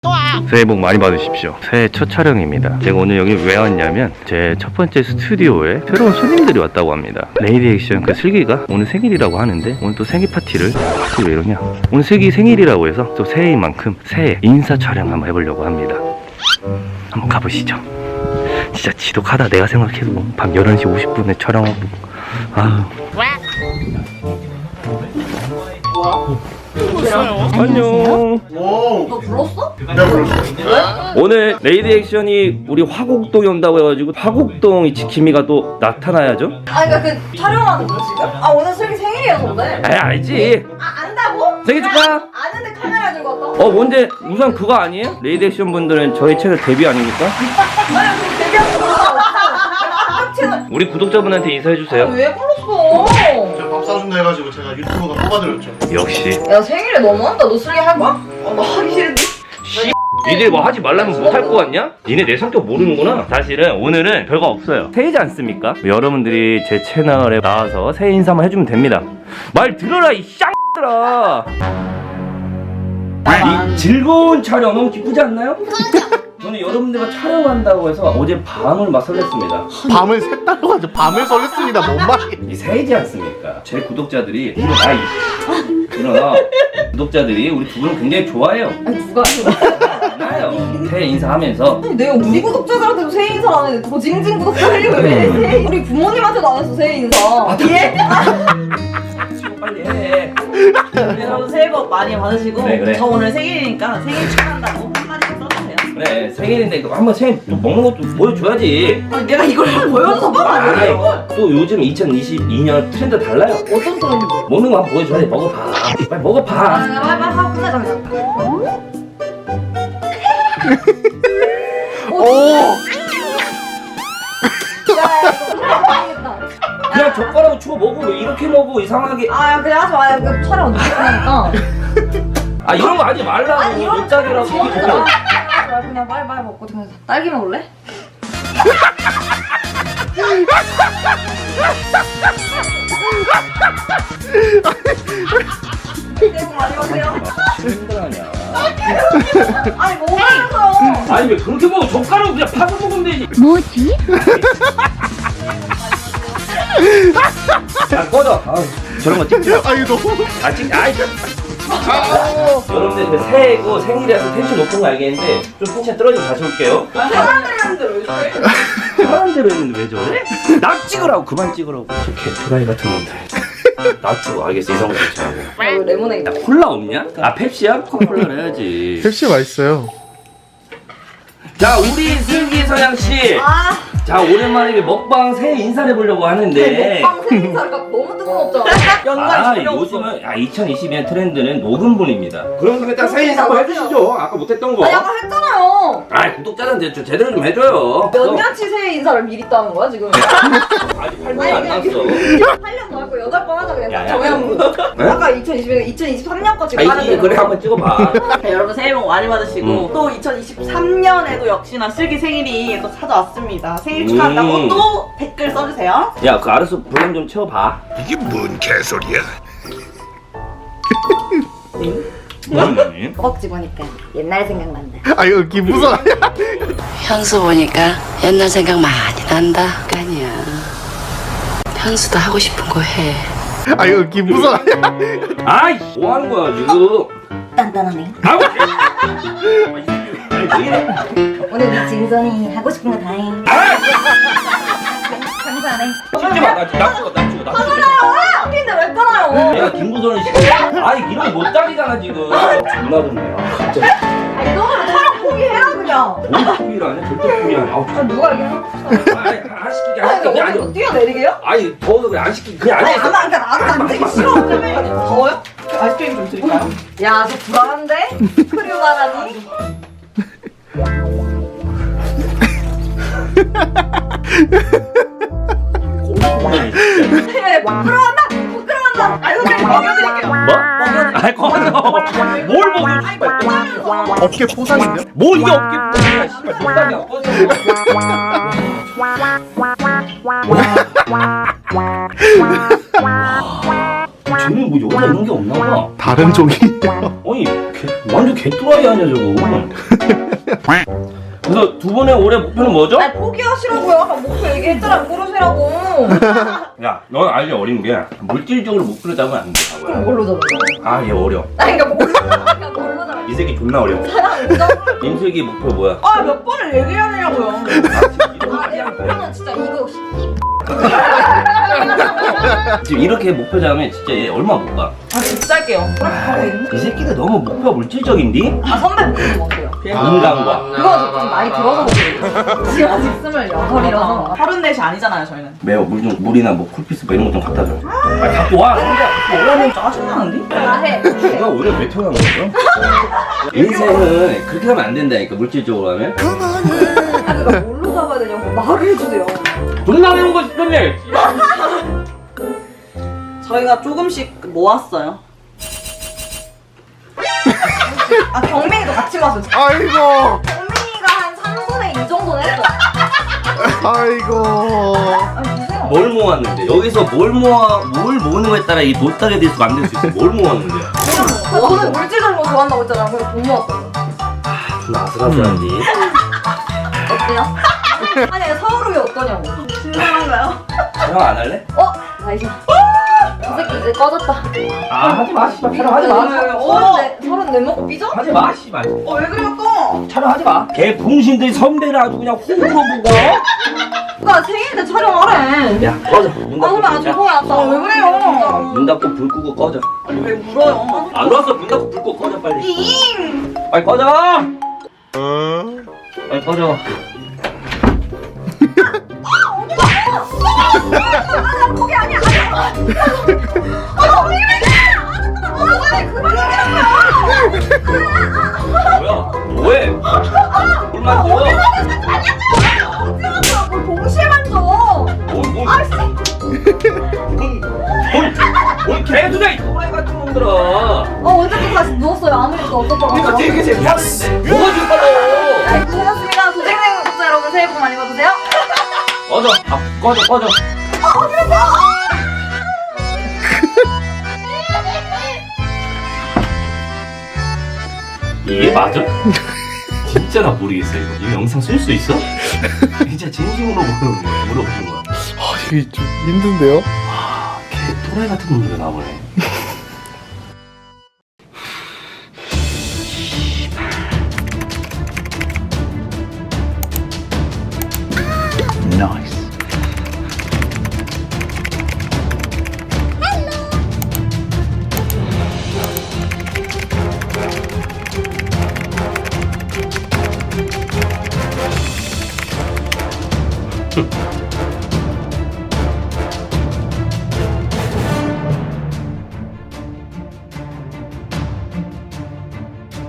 새해 복 많이 받으십시오. 새해 첫 촬영입니다. 제가 오늘 여기 왜 왔냐면 제 첫 번째 스튜디오에 새로운 손님들이 왔다고 합니다. 레이디 액션 그 슬기가 오늘 생일이라고 하는데 오늘 또 생일 파티를 왜 이러냐, 오늘 슬기 생일이라고 해서 또 새해인 만큼 새해 인사 촬영 한번 해보려고 합니다. 한번 가보시죠. 진짜 지독하다. 내가 생각해도 밤 11시 50분에 촬영하고 안녕. 너 불렀어? 내가 불렀어. 오늘 레이디 액션이 우리 화곡동에 온다고 해가지고 화곡동이 지킴이가 또 나타나야죠? 아 그니까 그 촬영하는 거 지금? 아 오늘 슬기 생일이어서 오늘? 아 알지. 아 안다고? 생일 축하. 아는데 카메라 들고 왔다? 뭔데 우선 그거 아니에요? 레이디 액션 분들은 저희 채널 데뷔 아닙니까? 아니 그럼 데뷔한 거 채널 우리 구독자분한테 인사해주세요. 왜 불렀어? 제가 밥 사준다 해가지고 제가 유튜브가 뽑아드렸죠. 역시 야 생일에 너무한다. 너 슬기 할 거야? 나 하기 싫은데. 니들 뭐 하지 말라면 못 할 거 같냐? 니네 내 성격 모르는구나. 사실은 오늘은 별거 없어요. 새해지 않습니까? 여러분들이 제 채널에 나와서 새해 인사만 해주면 됩니다. 말 들어라 이 쌍들아. 이 즐거운 촬영 너무 기쁘지 않나요? 저는 여러분들과 촬영한다고 해서 어제 밤을 막 설렜습니다. 밤을 샜다고 하죠. 밤을 설렜습니다. 뭔 말이야? 이 새해지 않습니까? 제 구독자들이 일어나 구독자들이 우리 두 분을 굉장히 좋아해요. 아니 누가 해? 나요. 새해 인사하면서 아니 내가 우리 구독자들한테도 새해 인사를 안 했는데 더 징징 구독자들이 왜 새해 우리 부모님한테도 안 했어 새해 인사. 예? 빨리 해. 여러분 새해 복 많이 받으시고 그래. 저 오늘 생일이니까 생일 축하한다고 한마디씩 써주세요. 그래 생일인데 이거 한번 새해 또 먹는 것도 보여줘야지. 아니, 내가 이걸 보여줘서 뭐 아니에요. 또 요즘 2022년 트렌드 달라요. 어떤 소리인데? 먹는 거 한번 보여줘야지. 먹어봐. 빨리 먹어봐. 빨리 하고 끝내자 그냥. 오. 야 이거 망했다. 그냥 젓가락으로 주워 먹어. 왜 이렇게 먹어 이상하게. 아 그냥 하지 마요. 그 촬영 어떻게 끝나니까. 아 이런 거 하지 말라고. 못자기라고. 그냥 빨리 먹고 그냥 딸기 먹을래? 새해 복 많이 받으세요. 힘들하냐. 아니 먹으면서. 아니 왜 그렇게 먹어? 젓가락으로 그냥 파서 먹으면 되지. 뭐지? 야 꺼져. 저런 거 찍지 마. 아 이거 너무. 찍. 여러분들 그 새해고 생일이라서 텐션 높은 거 알겠는데 좀 텐션 떨어지면 다시 올게요. 사람들이 하는데 왜 저래? 편한 대로 했는데 왜 저래? 나 찍으라고. 그만 찍으라고. 저 개토라이 같은 놈들. 나 찍어. 알겠어. 이성을 괜찮고. 왜 레모네이드? 콜라 없냐? 아 펩시야? 콜라를 해야지. 펩시 맛있어요. 자 우리 슬기 서양씨. 아 자 오랜만에 먹방 새해 인사를 해보려고 하는데 먹방 새해 인사가 너무 뜬금없잖아. 연관이 전혀 없어. 요즘은 2022년 트렌드는 녹음본입니다. 그럼 일단 새해 인사 한번 해주시죠. 아까 못했던 거. 아니 아까 했잖아요. 구독자들한테 좀 제대로 좀 해줘요. 몇 년치 새해 인사를 미리 따는 거야 지금? 아직 8년이 안 났어. 8년 더 할거 8번 하자 그냥 야, 야. 정해놓고. 네? 아까 2022년 2023년까지 가는 아이 그래 한번 찍어봐. 네, 여러분 새해 복 많이 받으시고 또 2023년에도 역시나 슬기 생일이 또 찾아왔습니다. 생일 축하한다고 또 댓글 써주세요. 야 그 알아서 볼륨 좀 채워봐. 이게 뭔 개소리야? 뭐니? 허벅지 보니까 옛날 생각난다. 아 이거 기부서. 현수 보니까 옛날 생각 많이 난다. 아니야. 현수도 하고 싶은 거 해. 아 이거 기부서. 아이 뭐 하는 거야 지금? 단단하네. 아우. 아니 왜 이래? 오늘 우리 진선이 하고 싶은 거 다 해. 감사하네. 찍지 마. 나 찍어. 아! 근데 왜 끊어요? 내가 김구선을 시켜. 아니 이런 못 따리잖아 지금. 존나 듣네. 갑자기. 아니 너는 촬영 포기해라 그냥. 뭘 포기를 하냐? 절대 포기 안 해. 아우 아 누가 이게? 안 시키게 안 아니 시키게 아니. 어디 뛰어내리게요? 아니 더워서 그래 안 시키게 그냥 아니 앉아 아마 그러니까 나도 안 되기 싫어. 더워요? 아이스크림 좀 드릴까요? 야, 저 불안한데? 크류가라니? 부끄러워한다! 부끄러워한다! 아이고, 그냥 먹여드릴게요. 뭐? 아이 꺼져. 뭘 먹여? 씨발. 어깨 포상인데요? 뭐 이게 어깨 부분이야? 씨발 농담이야. 꺼져. 쟤는 뭐 여자 이런 게 없나 봐. 다른 종이에요. 아니 완전 개뚜라이 아니야 저거. 그래서 두 분의 올해 목표는 뭐죠? 아니 포기하시라고요. 아까 목표 얘기했잖아요. 고르시라고. 야, 넌 아직 어린 게 물질적으로 목표를 잡으면 안 돼. 그럼 뭘로 잡아요? 아, 얘 어려. 아니 그러니까 뭘로 잡아요? 이 새끼 존나 어려. 임슬기 목표 뭐야? 아 몇 번을 얘기하느냐고요. 아내 목표는 진짜 이거 지금 이렇게 목표 잡으면 진짜 얘 얼마 못 가. 아 진짜 할게요. 이 새끼가 너무 목표가 물질적인디? 아 선배 목표 뭔데요? 건강과. 그거 좀 나이 들어서 그래요. 지금 아직 28이라서. 34이 아니잖아요 저희는. 매워 물이나 뭐 쿨피스 뭐 이런 거 좀 갖다 줘. 아, 갖고 와. 원래는 짜증나는데? 해. 내가 오늘 왜 태어난 거죠? 인생은 그렇게 하면 안 된다니까 물질적으로 하면. 아 그러니까 뭘로 잡아야 되냐고 말을 해주세요. 존나 매운 거 싶었네. 저희가 조금씩 모았어요. 아 경민이도 같이 마세요. 아이고. 경민이가 한 3분의 2 정도는 했어. 아이고. 아니 주세요. 뭘 모았는데? 여기서 뭘 모으는 거에 따라 이 보따리에 대해서 만들 수 있어. 뭘 모았는데요? 아, 저는 물질적인 거 좋아한다고 했잖아요. 그래서 돈 모았어요. 존나 아슬아슬한디. 어때요? 아니 서울이 어떠냐고. 신선한가요? 촬영 안 할래? 나이스. 이 새끼 이제 꺼졌다. 아 하지 마 씨발 촬영하지 서른 네 먹고 삐져? 하지 마 씨발 왜 그래요 또? 촬영하지 마걔 풍신들 선배를 아주 그냥 호구로 보고 그니까 생일 때 촬영하래. 야 꺼져 문 아 선배 아 닫고 죄송해요. 왜 그래요? 문 닫고 불 끄고 꺼져 아니 왜 물어요? 안 왔어 문 닫고 불 끄고 꺼져 빨리 빨리 꺼져 빨리 꺼져 거기 아니야. 뭐야 뭐해 물 만져 뭘 동시에 만져. 뭘 개두대 이 또라이 같은 놈들아 언제부터 다시 누웠어요. 아무 일도 없었다고. 그러니까 되게 재미없는데 뭐가 지금 빨라 네, 고생하셨습니다. 도생생 구독자 여러분 새해 복 많이 받으세요. 꺼져 꺼져 이게 맞아? 진짜 나 모르겠어 이거. 이 영상 쓸 수 있어? 진짜 진심으로 물어보는 거야. 아, 이게 좀 힘든데요? 걔 또라이 같은 놈들 나오네. 나이스.